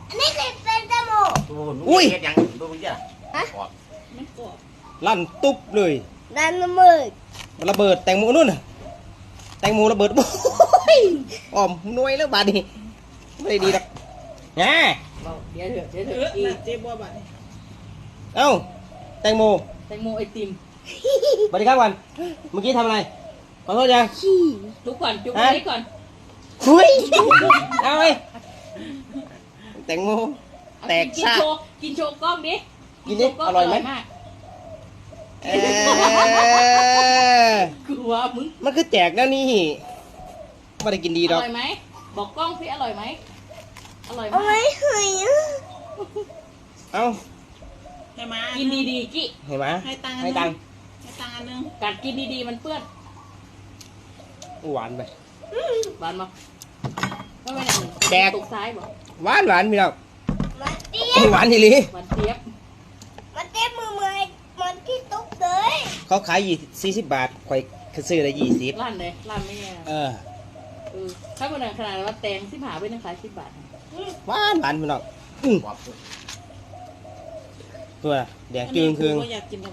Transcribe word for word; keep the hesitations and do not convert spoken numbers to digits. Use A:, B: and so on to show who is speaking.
A: อันนี้คือเป็นแตงโม
B: อุ้ย
C: ยังดูมึงจ้ะ
D: ไม่กรอบ
B: ลั่นตุ๊บเลย
A: ดันมือ
B: มันระเบิดแตงโมนู่นน่ะแตงโมระเบิดโอ้ยอ้อมหน่วยแล้วบาดนี้ไม่ได้ดีหรอกแหม
D: เดี๋ยวเถอะเดี๋ยวเถ
E: เอ
D: อะ
E: อ
D: อี
E: น่ะเจ๊บัวบัดนี้
B: เอ้าแตงโม
D: แตงโมไอติม
B: สวัสดีครับวันเมื่อกี้ทำอะไรขอโทษยัง
A: ขี้
D: ทุกก่อนจุ๊บ
B: ฮะ
D: ไว้ก่อน
B: หุยเอาไปแตงโม
D: เอา
B: แตก
D: กิน
B: ซะ
D: โชว์กินโชว์กล้องดิ
B: กินดิ
D: โชว์กล้ง
B: อร่อยไหม
D: มาก
B: เอ้ย
D: คือว่ามึง
B: มันคือแจกแล้วนี่ไม่ได้กินดี
D: อ
B: ดอก
D: ร่อยไหมบอกกล้องพี่อร่อยไหมอร่อย
A: เอา
D: มา
A: ไว้
D: ก
A: ให้อ่ะ
B: เอ้า
E: ให้มา
D: กินดีๆกี้
B: เห็นไหม
E: ให้ตังค์
B: ให้ตังค์
E: ให้ตังค์อันนึง
D: กัดกินดีๆมันเปื้อน
B: หวานไป
D: หวานมั้ยไม่เป็นไร
B: แดก
D: ตกซ้ายบอก
B: หวานหวานพี่น้อง
A: มันเตี้ย
B: หวานทีหลี
D: หวานเจี๊ยบ
A: มันเตี้ยมือมือมันที่ตุ๊กเลย
B: เขาขายยี่สี่สิบบาทข่อยซื้อได้ยี่สิบ
D: ร้านเลยร้านไม่แย่
B: เออ
D: เออถ้าเป็นขนาดว่าแตงสิบหาไปนั่งขายสิบบาท
B: หวานหวานพี่น้องอื้อตัวแดงจึงคือง
E: ก็อยากกิน